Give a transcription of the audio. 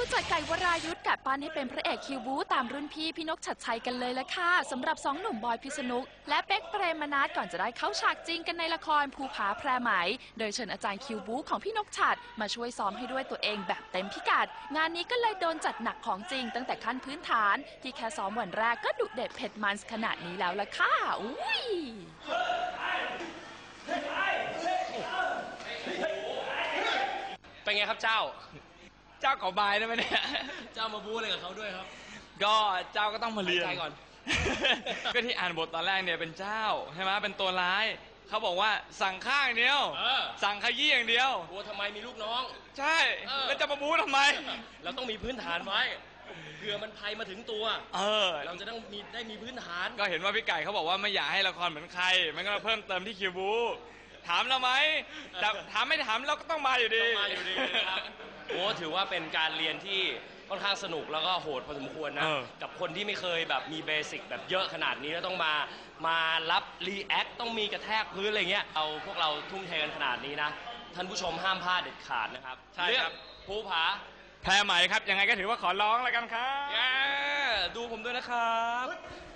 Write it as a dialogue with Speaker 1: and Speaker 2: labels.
Speaker 1: จัดไก่วรายุทธกะปั้นให้เป็นพระเอกคิวบูตามรุ่นพี่นกชัดชัยกันเลยละค่ะสำหรับ2 หนุ่มบอยพิษณุและเป๊กเปรมนัสก่อนจะได้เข้าฉากจริงกันในละครภูผาแพรไหมโดยเชิญอาจารย์คิวบูของพี่นกชัดมาช่วยซ้อมให้ด้วยตัวเองแบบเต็มพิกัดงานนี้ก็เลยโดนจัดหนักของจริงตั้งแต่ขั้นพื้นฐานที่แค่ซ้อมวันแรกก็ดุเด็ดเผ็ดมันขนาดนี้แล้วละค่ะอุ้ย
Speaker 2: เป็นไงครับเจ้า
Speaker 3: ขอบายได้ไหมเนี่ย
Speaker 2: เจ้ามาบู๊อะไรกับเขาด้วยครับ
Speaker 3: ก็เจ้าก็ต้องมาเรียน
Speaker 2: ใจก่อน
Speaker 3: ก็ที่อ่านบทตอนแรกเนี่ยเป็นเจ้าใช่ไหมเป็นตัวร้ายเขาบอกว่าสั่งข้างเดียวสั่งขยี้อย่างเดียว
Speaker 2: กลัวทำไมมีลูกน้อง
Speaker 3: ใช่แล้วจะมาบู๊ทำไม
Speaker 2: เราต้องมีพื้นฐานไว้เผื่อมันภัยมาถึงตัวเราจะต้องได้มีพื้นฐาน
Speaker 3: ก็เห็นว่าพี่ไก่เขาบอกว่าไม่อยากให้ละครเหมือนใครมันก็มาเพิ่มเติมที่คิวบูถามเราไหมแต่ถามไม่ถามเราก็ต้องมาอยู่ดี
Speaker 2: นะครับโอ้ถือว่าเป็นการเรียนที่ค่อนข้างสนุกแล้วก็โหดพอสมควรนะกับคนที่ไม่เคยแบบมีเบสิกแบบเยอะขนาดนี้แล้วต้องมารับรีแอคต้องมีกระแทกพื้นอะไรเงี้ยพวกเราทุ่มเทกันขนาดนี้นะท่านผู้ชมห้ามพลาดเด็ดขาดนะครับ
Speaker 3: ใช่ครับ
Speaker 2: ภูผา
Speaker 3: แพรไหมครับยังไงก็ถือว่าขอร้องแล้วกันครับ
Speaker 2: ดูผมด้วยนะครับ